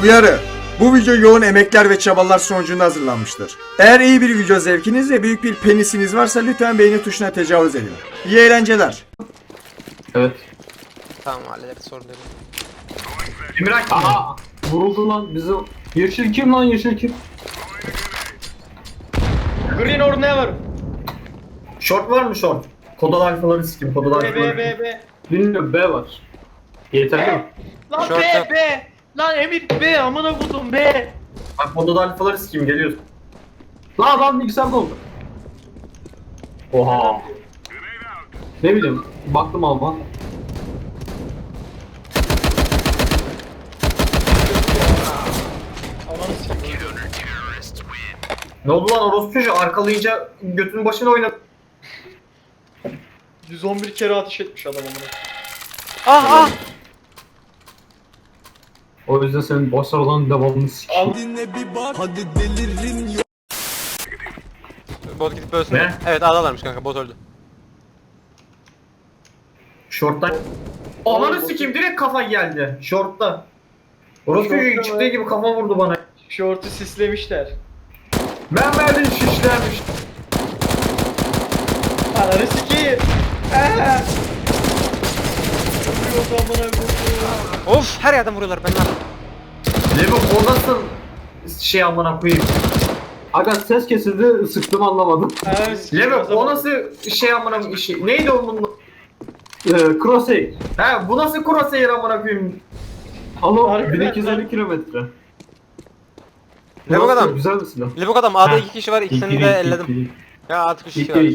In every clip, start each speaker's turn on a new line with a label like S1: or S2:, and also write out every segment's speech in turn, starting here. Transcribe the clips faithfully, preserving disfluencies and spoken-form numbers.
S1: Uyarı. Bu video yoğun emekler ve çabalar sonucunda hazırlanmıştır. Eğer iyi bir video zevkiniz ve büyük bir penisiniz varsa lütfen beğeni tuşuna tecavüz edin. İyi eğlenceler.
S2: Evet.
S3: Tamam hallederiz sorun değil.
S2: Emrak aha vuruldu lan bizim. Yeşil kim lan yeşil kim?
S4: Green or never.
S5: Short var mı short? Kodal alfaları sikim, kodal
S4: B B
S5: alfaları.
S4: B B.
S2: Bilmiyorum B var. Yeterli mi?
S4: Lan
S3: Short
S4: B
S3: yap.
S4: B. Lan Emir B amına kodum B.
S5: Bak kodal alfaları sikim geliyoruz.
S2: Lan adam bilgisayarda oldu. Oha. Ne bileyim baktım ama.
S4: Ananı sikeyim.
S5: Ne oldu lan orospu çocuğu arkalayınca götünün başına oynadı.
S4: yüz on bir kere ateş etmiş adam amına.
S3: Ah ah!
S2: O yüzden senin başarılan devamını sikeyim.
S4: Al.
S3: Bot gidip ölsün.
S5: Ne?
S3: Evet adalarmış kanka bot öldü.
S5: Short'tan. Ananı sikeyim direkt kafa geldi. Short'ta. Orospu
S4: Short'ta
S5: çocuğu
S4: mı?
S5: çıktığı gibi kafa vurdu bana.
S4: Şortu sislemişler.
S5: Ben verdim şişlermiş.
S4: Ananı sikeyim. Eee. Yok amına kodum.
S3: Of her yerden vuruyorlar ben lan.
S5: Levo o nasıl şey amına koyayım.
S2: Aga ses kesildi sıktım anlamadım.
S4: Ananı sikeyim.
S5: Levo
S4: o zaman.
S5: o nasıl şey amına işi. Neydi onun?
S2: Ee, Crosshair.
S5: He bu nasıl crosshair amına koyayım.
S2: Ama
S4: Harbiden
S2: bin iki yüz elli
S4: lan.
S2: kilometre.
S3: Lebok
S2: Nasıl?
S3: adam.
S2: Güzel bir silah.
S3: Lebok adam A'da
S5: Ha.
S3: iki kişi var ikisini de elledim. Ya artık üç kişi var.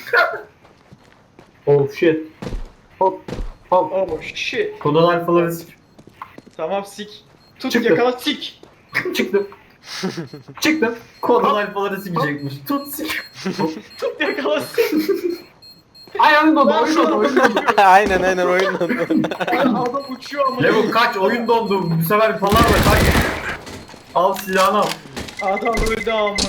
S2: Oh shit. Hop. Hop.
S4: Oh shit.
S5: Kodal alfaları sikim.
S4: Tamam sik. Tut
S2: Çıktı.
S4: yakala sik.
S2: Çıktım. Çıktım.
S5: Kodal alfaları sikecekmiş. Tut sik.
S4: Tut yakala sik.
S2: Ay oyun dondu
S4: Lan
S2: oyun
S4: şu
S2: dondu
S4: an-
S2: oyun dondu.
S3: aynen aynen oyundan.
S4: Adam uçuyor amına.
S5: Levo kaç oyun dondu. Bu sefer falan da kaç. Al silahını al.
S4: Adam öldü amına.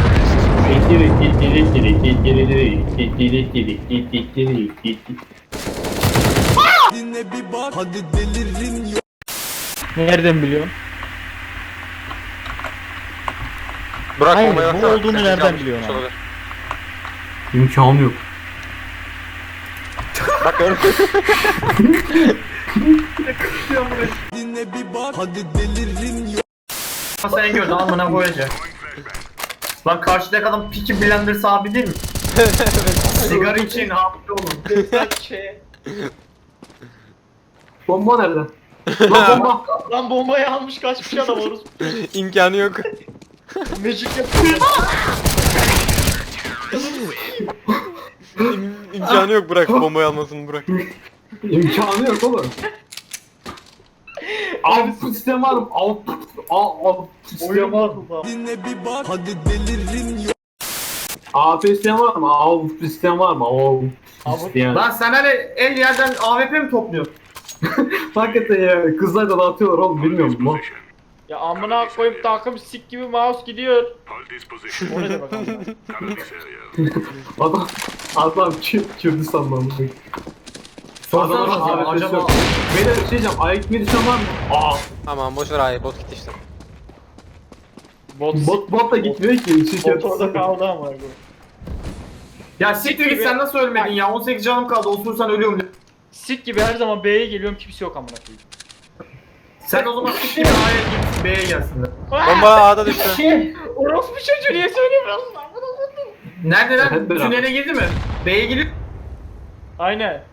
S4: Nereden biliyorsun?
S3: Burak
S4: Hayır,
S3: bombayı
S4: bu
S3: baksana.
S4: olduğunu
S3: Yanlış
S4: nereden
S3: yanlış
S4: biliyorsun abi?
S3: olabilir.
S2: İmkanı yok.
S3: Bak gördün
S5: Sen gördün amına koyacak. Lan karşıdaki adam Peaky Blinders abi değil mi? Sigara için hafif olun.
S4: Destek şey.
S2: Bomba nerede? Lan bomba.
S4: Lan bombayı almış kaçmış adam orası.
S3: İmkanı yok.
S4: Magic yapıyor.
S3: İm, imkanı yok bırak bombayı almasını bırak.
S2: İmkanı yok oğlum. Output sistem var mı? Output. Output sistem var mı? A P sistem var mı? Output sistem var mı? Output sistem.
S5: Lan sen hani el yerden A W P mi topluyorsun?
S2: Hakikaten ya kızlar da dağıtıyorlar oğlum bilmiyor musun lan?
S4: Ya amına koyup takım sik gibi mouse gidiyor. O ne demek amına?
S2: Adam, adam kim, kimdi sanmam.
S5: Sorsana
S2: Adamın
S5: bakayım,
S2: A W P'si
S5: acaba-
S2: yok. Beyler bir şey diyeceğim, ayak gitmeyi düşen var mı? Aa,
S3: Aman boş ver hayır bot gitti işte.
S4: Bot
S2: bot, bot da gitmiyor ki. Şirket.
S4: Bot orada kaldı ama bu.
S5: Ya siktir git sen nasıl ölmedin ya? on sekiz canım kaldı osursan ölüyorum. de.
S4: Sik gibi her zaman B'ye geliyorum kimse yok amına koyayım.
S5: Sen o zaman siktir git A'ya git B'ye gelsinler.
S3: Bomba A'da düştü.
S4: Orospu çocuğu niye söylemiyorsun lan? Amına koydum.
S5: Nerede
S2: Hep
S5: lan?
S2: beraber.
S5: Tünele girdi mi? B'ye girip
S4: Aynen.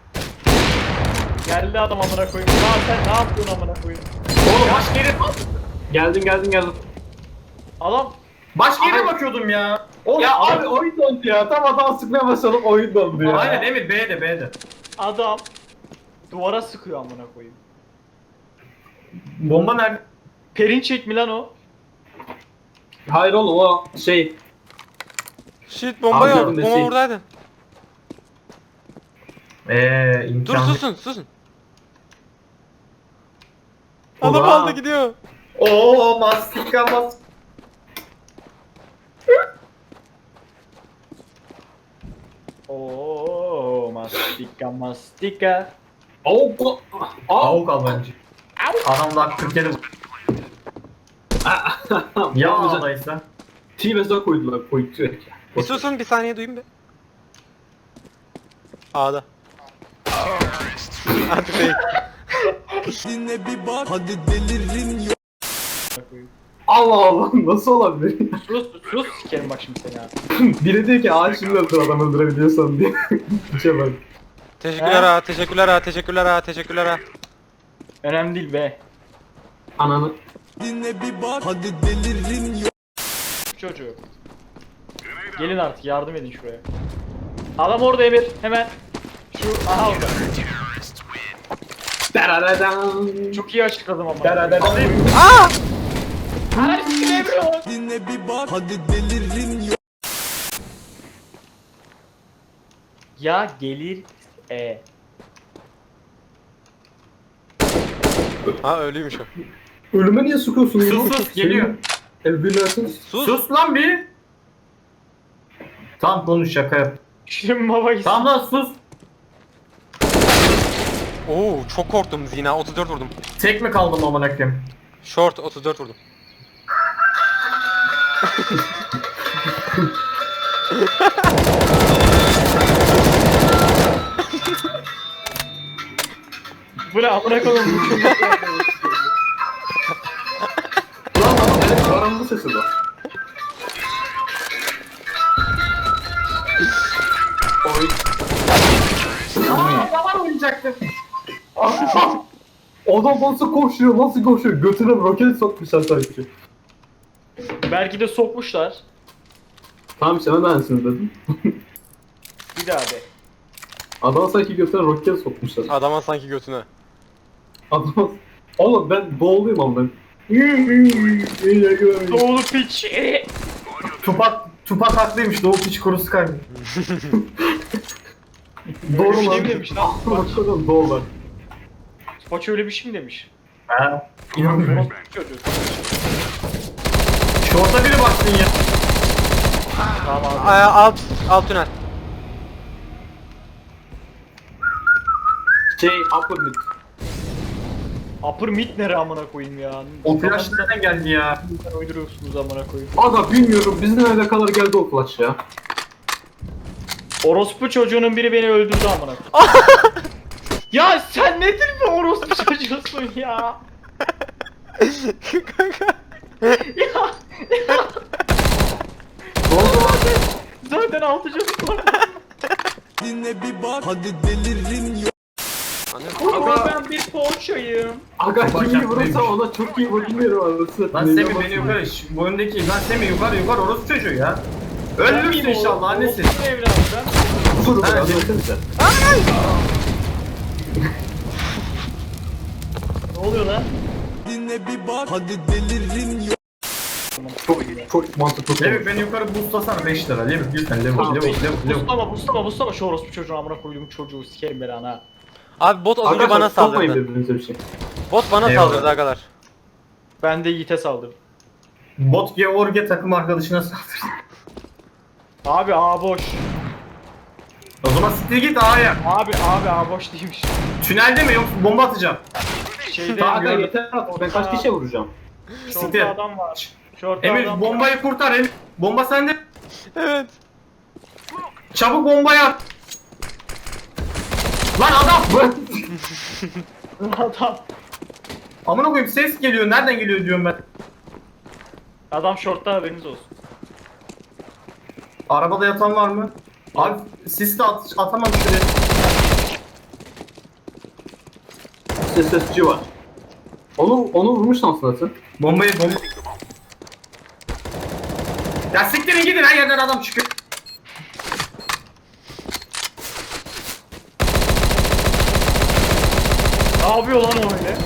S4: Geldi adam amına koyayım. Lan sen ne yapıyorsun amına koyayım?
S5: oğlum başka yere
S2: Geldim geldim geldim.
S4: Adam
S5: başka yere bakıyordum ya. Oğlum
S2: Ya
S5: adam-
S2: abi oyun dondu ya. Tam adam sıkmaya başladım oyun dondu ya.
S5: Aynen Emir B'de B'de.
S4: adam duvara sıkıyor amına koyayım.
S5: Bomba nerede?
S4: Perinçek mi lan o?
S2: Hayır oğlum o şey.
S3: Shit bomba
S2: Abi
S3: yok.
S2: yardım
S3: Bomba
S2: deseydin.
S3: buradaydı.
S5: Eee
S3: Dur
S5: imkanı.
S3: susun susun. Adam
S5: Ulan.
S3: aldı gidiyor.
S5: Oo mastika mas.
S4: Oo mastika mastika.
S2: Avuk. Avuk.
S5: Avuk al bence. Adam daha kırk yedi. Ya ağlaysa.
S2: T-Vez'e koydular. Koydu direkt ya.
S3: Bir susun bir saniye duyayım bir. A'da. Hadi bey.
S2: Allah Allah nasıl olabilir?
S4: Sus sus sikerim bak şimdi seni ha.
S2: Biri diyor ki ağaç şimdi öldür adam öldürebiliyorsan diye. İşe bak.
S3: Teşekkürler ha, teşekkürler ha, teşekkürler ha, teşekkürler ha.
S4: Önemli değil be.
S2: Ananı.
S4: Çocuğu. Gelin artık yardım edin şuraya. Adam orada Emir hemen. Şu aha orada.
S2: Dararadan.
S4: Çok iyi açıkladım ama.
S2: Dararadan.
S3: Aa!
S4: Her sikim Emir o. Ya gelir e.
S3: Ha öyleymiş o.
S2: Ölüme niye sıkıyorsun?
S5: Sus sus geliyor.
S2: Evlilersin.
S3: Sus.
S5: Sus lan bir. Tamam konuş şaka yap.
S4: Şimdi baba gitsin.
S5: Tamam lan sus.
S3: Oo çok korktum Zina, otuz dört vurdum.
S5: Tek mi kaldım amına koyayım?
S3: Short otuz dört vurdum.
S4: Bu ne amına koyayım.
S2: Lan ama benim karanlık sesi bu. Oy.
S5: Aa baba oynayacaktım.
S2: Adam nasıl koşuyor, nasıl koşuyor? Götüne roket sokmuşlar sanki.
S4: Belki de sokmuşlar.
S2: Tamam işte ben aynısını dedim.
S4: Bir daha de.
S2: Adam sanki götüne roket sokmuşlar.
S3: Adama sanki götüne.
S2: Adam... Oğlum ben boğuluyum ama ben.
S4: Doğulu piç. E.
S5: Tupak Tupak haklıymış. Doğu piç kurusu kaydı.
S2: Doğru
S4: Öyle bir
S2: lan.
S4: şey mi demiş lan?
S2: Bakalım doğru lan.
S4: Spoç öyle bir şey mi demiş?
S5: Ha. İnanmıyorum.
S4: Orospu çocuğu.
S5: Şorta biri baksın ya.
S4: Tamam abi.
S3: Aa, alt, alt tünel.
S2: Şey, upper mid.
S4: Upper mid nere amına koyayım ya?
S5: O flash nereden geldi ya?
S4: Sen uyduruyorsunuz amına koyayım.
S2: Aga bilmiyorum, bizim nerede kadar geldi o flash ya.
S4: Orospu çocuğunun biri beni öldürdü amına koyayım. Ya sen nedir bir orospu çocuğusun ya? ya, ya.
S2: Ne oldu lan?
S4: Zaten altı çocuk var. Ama ben bir poğaçayım.
S2: Aga
S5: Bak,
S2: kimi vurursa
S5: haklıymış.
S2: ona çok iyi bakmıyorum arası.
S5: Lan Semih beni yukarı, şu boyundaki lan Semih yukarı yukarı orası çocuğu ya. Ölürsün inşallah annesi.
S4: Orospu evladım ben.
S2: Vurun
S5: Ha,
S2: lan
S5: değil.
S2: desenize.
S4: Ne oluyor lan?
S2: Çok çok mantıklı.
S5: Semih beni yukarı boostlasana beş lira. Level lütfen level
S2: Tamam,
S5: level level level.
S4: Buslama buslama buslama şu orospu çocuğu amına koyduğum çocuğu sikerim ben ana.
S3: Abi bot az önce bana
S2: sokmayın
S3: saldırdı.
S2: birbirinize bir şey.
S3: Bot bana
S5: Eyvallah.
S3: saldırdı agalar.
S4: Ben de Yiğit'e saldırdım.
S5: Bot George takım arkadaşına saldırdı.
S4: Abi A boş.
S5: O zaman siktir git A'ya.
S4: Abi abi A boş değilmiş.
S5: Tünelde mi yoksa bomba atacağım.
S4: Şeyde
S2: Aga
S4: gördüm.
S2: yeter artık, ben kaç kişiye vuracağım?
S5: Siktir.
S4: Şortta adam var. Şortta
S5: Emir
S4: adam
S5: bombayı kurtar Emir. Bomba sende.
S3: Evet.
S5: Çabuk bombayı at. Lan adam.
S4: var. Adam.
S5: Amına koyayım ses geliyor. Nereden geliyor diyorum ben.
S4: Adam şortta haberiniz olsun.
S5: Arabada yatan var mı? Abi sis de at, atamam şuraya.
S2: S S G var. Onu onu vurmuşsun aslında sen.
S5: Bombayı bomba. Ya siktirin gidin her yerden adam çıkıyor.
S4: Ne yapıyor lan o öyle?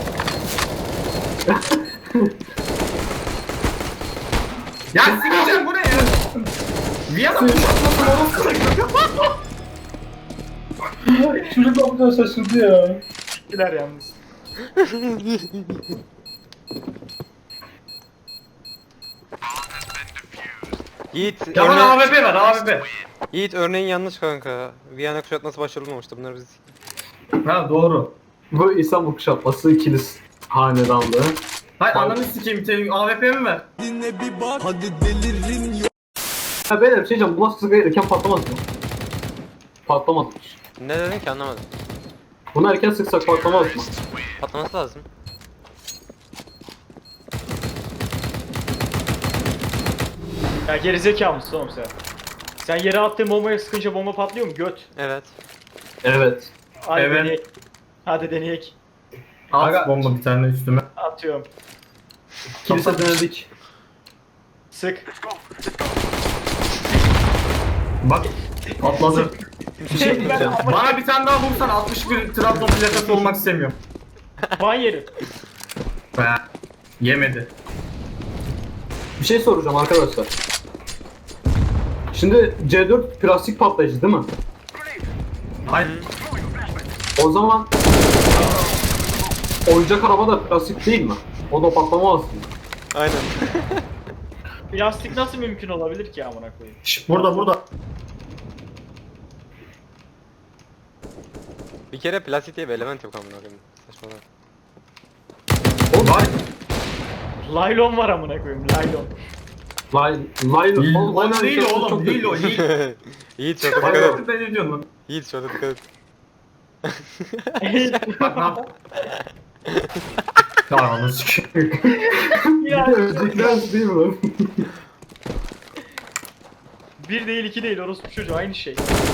S5: Ya sikeceğim bu ne ya? Viyana kuşatmasın oğlum.
S2: Çocuk ne yapacağını şaşırdı ya.
S4: Gittiler yalnız.
S3: Yiğit,
S5: Yaman
S3: örne-
S5: A W P ver A W P.
S3: Yiğit örneğin yanlış kanka. Viyana kuşatması başarılmamıştı, bunlar biz.
S5: Ha doğru.
S2: Bu İstanbul kuşatması ikiniz hanedanlığı.
S5: Hayır ananı sikeyim senin A W P mi ver?
S2: Ha beyler bir şey diyeceğim. Bu nasıl sigara erken patlamaz mı? Patlamaz.
S3: Ne dedin ki anlamadım.
S2: Bunu erken sıksak patlamaz mı?
S3: Patlaması lazım.
S4: Ya gerizekalı mısın oğlum sen? Sen yere attığın bombaya sıkınca bomba patlıyor mu? Göt.
S3: Evet.
S2: Evet.
S4: Hadi
S5: Evet.
S4: deneyek. Hadi deneyek.
S5: At
S2: Aga-
S5: bomba bir tane üstüme.
S4: Atıyorum.
S2: Kilise denedik.
S4: Sık.
S5: Bak atladı.
S2: Bir şey diyeceğim.
S5: Bana bir tane daha vursan altmış bir Trabzon plakası olmak istemiyorum.
S4: Ban yeri.
S5: Be. Yemedi.
S2: Bir şey soracağım arkadaşlar. Şimdi C dört plastik patlayıcı değil mi?
S5: Hayır.
S2: O zaman oyuncak araba da plastik değil mi? O da patlamaz mı?
S3: Aynen.
S4: Plastik nasıl mümkün olabilir ki amına koyayım?
S5: Şş, burada burada.
S3: Bir kere plastik diye bir element yok amına koyayım. Saçmalama.
S2: Oğlum
S5: Var.
S4: Laylon var amına koyayım. Laylon.
S2: Lay, lay, oğlum,
S5: O
S2: aynen
S5: değil
S2: şey
S5: oğlum
S2: çok
S5: değil o.
S2: kötü.
S5: Yiğit.
S3: Yiğit şurada dikkat et.
S5: Hayır ben ne diyorsun lan?
S3: Yiğit şurada dikkat et.
S5: Bak ne yap? Ya onu sikeyim.
S4: ya
S2: Öncekler değil mi lan?
S4: bir değil iki değil orospu çocuğu aynı şey.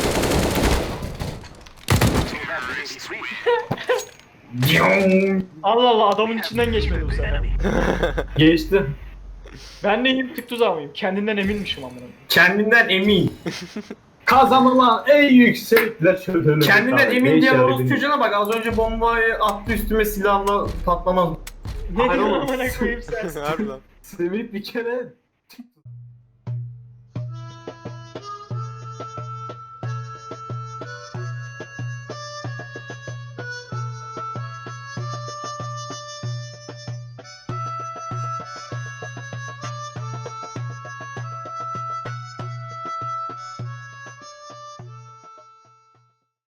S4: Allah Allah adamın içinden geçmedi bu sefer.
S2: Geçti.
S4: Ben neyim tık tuzağı mıyım? Kendinden eminmişim amına koyayım.
S5: Kendinden emin.
S2: Kazanılan en yüksekler şöyle.
S5: Kendinden emin
S2: Ne
S5: diyen
S2: işaret
S5: orospu
S2: edeyim?
S5: çocuğuna bak az önce bombayı attı üstüme silahla patlamaz.
S4: Ne
S2: Hayır
S4: diyorsun
S2: oğlum.
S4: amına koyayım sen?
S3: Harbiden.
S2: Semih bir kere